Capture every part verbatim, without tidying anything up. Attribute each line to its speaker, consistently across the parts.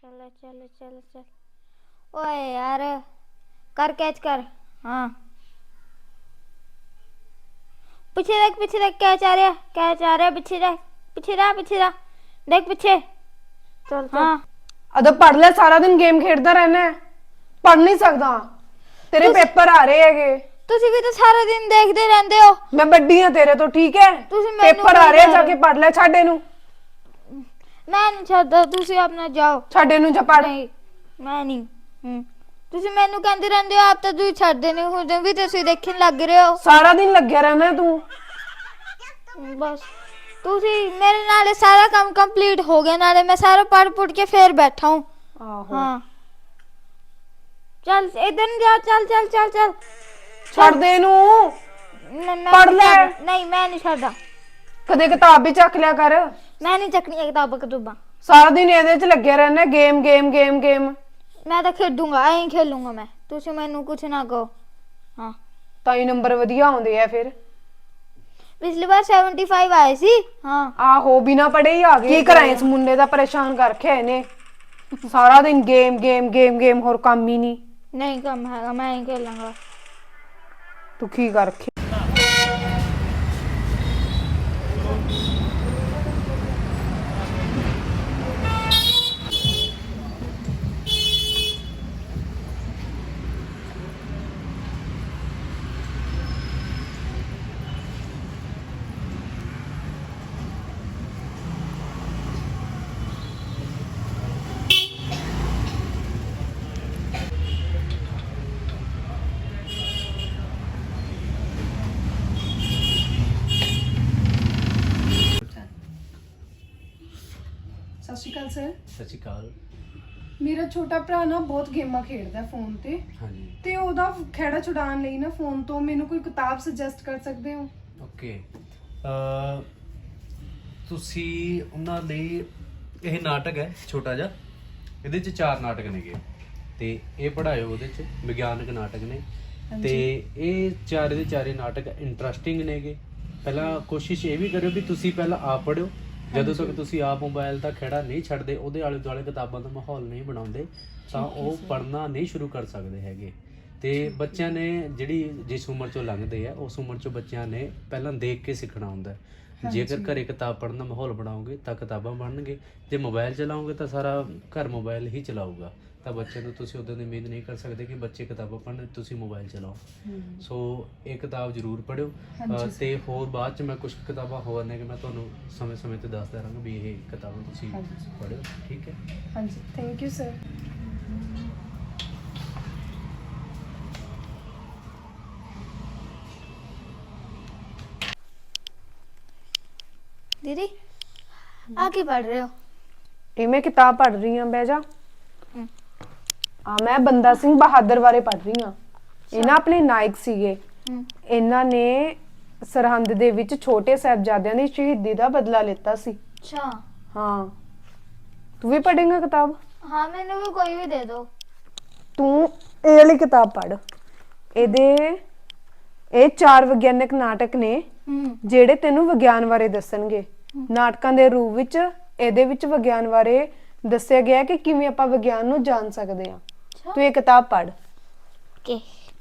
Speaker 1: चलो चलो चलो चल। ओए यार कर कैच कर। हाँ पीछे देख पीछे देख कैच आ रहा है कैच आ रहा है पीछे देख पीछे रहा पीछे रहा देख पीछे चल। हाँ
Speaker 2: अदो पढ़ ले सारा दिन गेम खेलता रहना है पढ़ नहीं सकता तेरे पेपर आ रहे हैगे
Speaker 1: ਤੁਸੀਂ ਵੀ ਤਾਂ ਸਾਰਾ ਦਿਨ ਦੇਖਦੇ ਰਹਿੰਦੇ ਹੋ।
Speaker 2: मैं बड़ी हां तेरे तो ठीक है पेपर आ रहे हैं जाके पढ़ ले छाड़े नु
Speaker 1: मैं नहीं छੱਡਦਾ ਤੁਸੀਂ ਆਪਣਾ ਜਾਓ
Speaker 2: छाड़े नु जा पढ़
Speaker 1: ਨਹੀਂ ਮੈਂ ਨਹੀਂ ਹੂੰ ਤੁਸੀਂ ਮੈਨੂੰ ਕਹਿੰਦੇ ਰਹਿੰਦੇ ਹੋ ਆਪ ਤਾਂ ਤੁਸੀਂ ਛੱਡਦੇ ਨਹੀਂ ਹੁਣ ਵੀ ਤੁਸੀਂ ਦੇਖਣ ਲੱਗ ਰਹੇ ਹੋ
Speaker 2: सारा दिन ਲੱਗਿਆ ਰਹਿਣਾ ਤੂੰ
Speaker 1: ਬਸ ਤੁਸੀਂ ਮੇਰੇ ਨਾਲੇ ਸਾਰਾ ਕੰਮ ਕੰਪਲੀਟ ਹੋ ਗਿਆ ਨਾਲੇ ਮੈਂ ਸਾਰਾ ਪੜ੍ਹ ਪੁੱਟ ਕੇ ਫੇਰ ਬੈਠਾ ਹੂੰ
Speaker 2: ਆਹੋ
Speaker 1: ਹਾਂ ਚੱਲ ਇਧਰ ਨੂੰ ਜਾ ਚੱਲ ਚੱਲ ਚੱਲ ਚੱਲ
Speaker 2: ਛੱਡ ਦੇ ਨੂੰ
Speaker 1: पढ़
Speaker 2: ले
Speaker 1: नहीं मैं नहीं छड्डा
Speaker 2: ਕਦੇ ਕਿਤਾਬ ਵੀ ਚੱਕ ਲਿਆ ਕਰ
Speaker 1: मैं नहीं चकनी किताबां कतूबां
Speaker 2: ਸਾਰਾ ਦਿਨ ਇਹਦੇ ਚ ਲੱਗਿਆ ਰਹਿਣਾ ਗੇਮ ਗੇਮ ਗੇਮ ਗੇਮ
Speaker 1: मैं तो खेडूंगा ऐ खेलूंगा मैं ਤੁਸੀਂ ਮੈਨੂੰ ਕੁਛ ਨਾ ਕਹੋ ਹਾਂ
Speaker 2: ਤਾਂ ਹੀ ਨੰਬਰ ਵਧੀਆ ਆਉਂਦੇ ਆ ਫਿਰ
Speaker 1: ਪਿਛਲੀ ਵਾਰ ਪਚਹੱਤਰ ਆਏ ਸੀ ਹਾਂ
Speaker 2: ਆਹੋ ਬਿਨਾ ਪੜੇ ਹੀ ਆ ਗਏ ਕੀ ਕਰਾਂ ਇਸ ਮੁੰਡੇ ਦਾ ਪਰੇਸ਼ਾਨ ਕਰ ਰੱਖਿਆ ਇਹਨੇ ਸਾਰਾ ਦਿਨ ਗੇਮ ਗੇਮ ਗੇਮ ਗੇਮ ਹੋਰ ਕੰਮ ਹੀ ਨਹੀਂ
Speaker 1: नहीं कम है मैं ही खेलूंगा
Speaker 2: ਤੂੰ ਕੀ ਕਰ ਰੱਖਿਆ
Speaker 3: ਸਤਿ ਸ਼੍ਰੀ ਅਕਾਲ ਸਰ।
Speaker 4: ਸਤਿ ਸ਼੍ਰੀ ਅਕਾਲ।
Speaker 3: ਮੇਰਾ ਛੋਟਾ ਭਰਾ ਨਾ ਬਹੁਤ ਗੇਮਾਂ ਖੇਡਦਾ ਫੋਨ ਤੇ
Speaker 4: ਹਾਂਜੀ
Speaker 3: ਤੇ ਉਹਦਾ ਖੇੜਾ ਛੁਡਾਉਣ ਲਈ ਨਾ ਫੋਨ ਤੋਂ ਮੈਨੂੰ ਕੋਈ ਕਿਤਾਬ ਸੁਜੈਸਟ ਕਰ ਸਕਦੇ ਹੋ?
Speaker 4: ਓਕੇ ਅ ਤੁਸੀਂ ਉਹਨਾਂ ਲਈ ਇਹ ਨਾਟਕ ਹੈ ਛੋਟਾ ਜਿਹਾ ਇਹਦੇ ਚ ਚਾਰ ਨਾਟਕ ਨੇਗੇ ਤੇ ਇਹ ਪੜ੍ਹਾਇਓ ਉਹਦੇ ਚ ਵਿਗਿਆਨਕ ਨਾਟਕ ਨੇ ਤੇ ਇਹ ਚਾਰੇ ਦੇ ਚਾਰੇ ਨਾਟਕ ਇੰਟਰਸਟਿੰਗ ਨੇਗੇ। ਪਹਿਲਾਂ ਕੋਸ਼ਿਸ਼ ਇਹ ਵੀ ਕਰਿਓ ਵੀ ਤੁਸੀਂ ਪਹਿਲਾਂ ਆਪ ਪੜ੍ਹਿਓ ਜਦੋਂ ਤੱਕ ਤੁਸੀਂ ਆਪ ਮੋਬਾਈਲ ਦਾ ਖੇੜਾ ਨਹੀਂ ਛੱਡਦੇ ਉਹਦੇ ਆਲੇ ਦੁਆਲੇ ਕਿਤਾਬਾਂ ਦਾ ਮਾਹੌਲ ਨਹੀਂ ਬਣਾਉਂਦੇ ਤਾਂ ਉਹ ਪੜ੍ਹਨਾ ਨਹੀਂ ਸ਼ੁਰੂ ਕਰ ਸਕਦੇ ਹੈਗੇ। ਤੇ ਬੱਚਿਆਂ ਨੇ ਜਿਹੜੀ ਜਿਸ ਉਮਰ ਚੋਂ ਲੰਘਦੇ ਆ ਉਸ ਉਮਰ ਚੋਂ ਬੱਚਿਆਂ ਨੇ ਪਹਿਲਾਂ ਦੇਖ ਕੇ ਸਿੱਖਣਾ ਹੁੰਦਾ। ਜੇਕਰ ਘਰੇ ਕਿਤਾਬ ਪੜ੍ਹਨ ਦਾ ਮਾਹੌਲ ਬਣਾਓਗੇ ਤਾਂ ਕਿਤਾਬਾਂ ਬਣਨਗੇ, ਜੇ ਮੋਬਾਈਲ ਚਲਾਓਗੇ ਤਾਂ ਸਾਰਾ ਘਰ ਮੋਬਾਈਲ ਹੀ ਚਲਾਊਗਾ ਤਾਂ ਬੱਚੇ ਨੂੰ ਤੁਸੀਂ ਉਦੋਂ ਦੀ ਉਮੀਦ ਨਹੀਂ ਕਰ ਸਕਦੇ ਕਿ ਬੱਚੇ ਕਿਤਾਬਾਂ ਪੜ੍ਹਨ ਤੁਸੀਂ ਮੋਬਾਈਲ ਚਲਾਓ। ਸੋ ਇਹ ਕਿਤਾਬ ਜ਼ਰੂਰ ਪੜ੍ਹਿਓ ਤੇ ਹੋਰ ਬਾਅਦ ਚ ਮੈਂ ਕੁਝ ਕਿਤਾਬਾਂ ਹੋਰ ਨੇ ਕਿ ਮੈਂ ਤੁਹਾਨੂੰ ਸਮੇਂ ਸਮੇਂ ਤੇ ਦੱਸਦਾ ਰਹਾਂਗਾ ਵੀ ਇਹ ਕਿਤਾਬਾਂ ਤੁਸੀਂ ਪੜ੍ਹਿਓ। ਠੀਕ ਹੈ?
Speaker 3: ਹਾਂਜੀ ਥੈਂਕ ਯੂ ਸਰ।
Speaker 1: दीदी आगे पढ़ रहे हो?
Speaker 2: ਇਹ ਮੈਂ ਕਿਤਾਬ ਪੜ੍ਹ ਰਹੀ ਹਾਂ ਬਹਿ ਜਾ ਆ ਮੈਂ ਬੰਦਾ ਸਿੰਘ ਬਹਾਦਰ ਬਾਰੇ ਪੜ੍ਹ ਰਹੀ ਹਾਂ। ਇਹ ਨਾ ਆਪਣੇ ਨਾਇਕ ਸੀਗੇ ਇਹਨਾਂ ਨੇ ਸਰਹੰਦ ਦੇ ਵਿੱਚ ਛੋਟੇ ਸਾਹਿਬਜ਼ਾਦਿਆਂ ਦੀ ਸ਼ਹੀਦੀ ਦਾ ਬਦਲਾ ਲਿੱਤਾ ਸੀ।
Speaker 1: अच्छा
Speaker 2: ਹਾਂ ਤੂੰ ਵੀ ਪੜ੍ਹੇਂਗਾ ਕਿਤਾਬ?
Speaker 1: हाँ मैंने भी कोई भी दे दो।
Speaker 2: ਤੂੰ ਇਹ ਵਾਲੀ ਕਿਤਾਬ ਪੜ੍ਹ। ਇਹਦੇ ਇਹ ਚਾਰ ਵਿਗਿਆਨਕ ਨਾਟਕ ਨੇ ਜਿਹੜੇ ਤੈਨੂੰ ਵਿਗਿਆਨ ਬਾਰੇ ਦੱਸਣਗੇ। ਨਾਟਕਾਂ ਦੇ ਰੂਪ ਵਿੱਚ ਇਹਦੇ ਵਿੱਚ ਵਿਗਿਆਨ ਬਾਰੇ ਦੱਸਿਆ ਗਿਆ ਕਿ ਕਿਵੇਂ ਆਪਾਂ ਵਿਗਿਆਨ ਨੂੰ ਜਾਣ ਸਕਦੇ ਹਾਂ। ਤੂੰ ਇਹ ਕਿਤਾਬ ਪੜ੍ਹ।
Speaker 1: ओके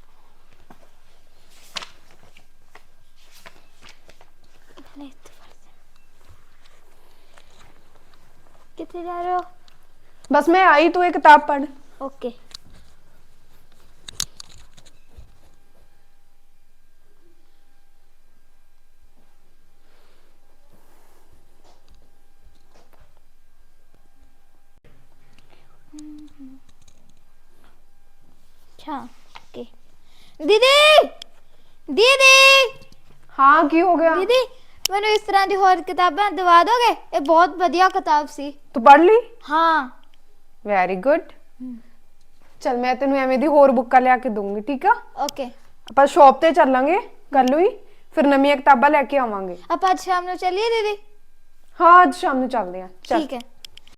Speaker 1: कितने जा रहे हो?
Speaker 2: बस मैं आई तू ये किताब पढ़।
Speaker 1: ओके अच्छा ओके दीदी दीदी
Speaker 2: हाँ की हो गया?
Speaker 1: दीदी मैंने इस तरह की और किताबें दिवा दोगे? ये बहुत बढ़िया किताब सी।
Speaker 2: तू पढ़ ली?
Speaker 1: हाँ
Speaker 2: वेरी गुड। चल मैं तेनू एवें दी होर बुक्कां लिया के दूंगी। ठीक है?
Speaker 1: ओके
Speaker 2: ਆਪਾਂ ਸ਼ਾਪ ਤੇ ਚੱਲਾਂਗੇ ਕੱਲ ਨੂੰ ਹੀ ਫਿਰ ਨਵੀਆਂ ਕਿਤਾਬਾਂ ਲੈ ਕੇ ਆਵਾਂਗੇ।
Speaker 1: अब आज शाम को चलिए दीदी।
Speaker 2: ਹਾਂ ਅੱਜ ਸ਼ਾਮ ਨੂੰ ਚੱਲਦੇ ਆਂ।
Speaker 1: ठीक है।